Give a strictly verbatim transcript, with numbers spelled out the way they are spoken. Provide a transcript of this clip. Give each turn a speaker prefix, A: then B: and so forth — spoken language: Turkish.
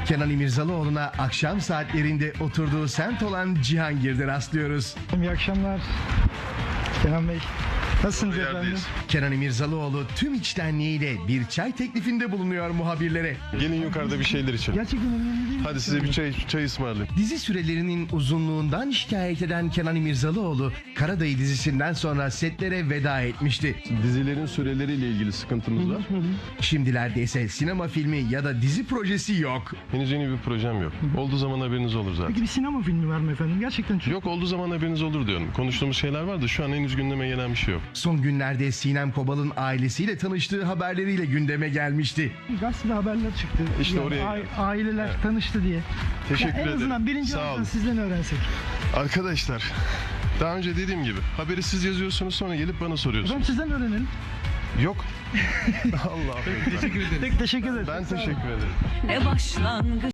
A: Kenan İmirzalıoğlu'na akşam saatlerinde oturduğu semt olan Cihangir'de rastlıyoruz.
B: İyi akşamlar Kenan Bey. Nasılsınız efendim?
A: Kenan İmirzalıoğlu tüm içtenliğiyle bir çay teklifinde bulunuyor muhabirlere.
C: Gelin yukarıda bir şeyler içelim.
B: Gerçekten önemli değil mi?
C: Hadi size bir çay, çay ısmarlayayım.
A: Dizi sürelerinin uzunluğundan şikayet eden Kenan İmirzalıoğlu, Karadayı dizisinden sonra setlere veda etmişti.
C: Dizilerin süreleriyle ilgili sıkıntımız var.
A: Şimdilerde ise sinema filmi ya da dizi projesi yok.
C: Henüz yeni bir projem yok. Olduğu zaman haberiniz olur zaten.
B: Peki bir sinema filmi var mı efendim? Gerçekten çok...
C: Yok, olduğu zaman haberiniz olur diyorum. Konuştuğumuz şeyler var da şu an henüz gündeme gelen bir şey yok.
A: Son günlerde Sinem Kobal'ın ailesiyle tanıştığı haberleriyle gündeme gelmişti.
B: Gazetede haberler çıktı.
C: İşte oraya
B: a-
C: geldim.
B: aileler
C: Evet.
B: tanıştı diye.
C: Teşekkür
B: Ya en
C: ederim.
B: azından birinci
C: Sağ
B: olarak
C: olun.
B: sizden öğrensek.
C: Arkadaşlar, daha önce dediğim gibi haberi siz yazıyorsunuz, sonra gelip bana soruyorsunuz.
B: Efendim sizden öğrenelim.
C: Yok. Allah'ım.
B: Peki teşekkür ederim.
C: Ben teşekkür ederim.
D: Ne başlangıç.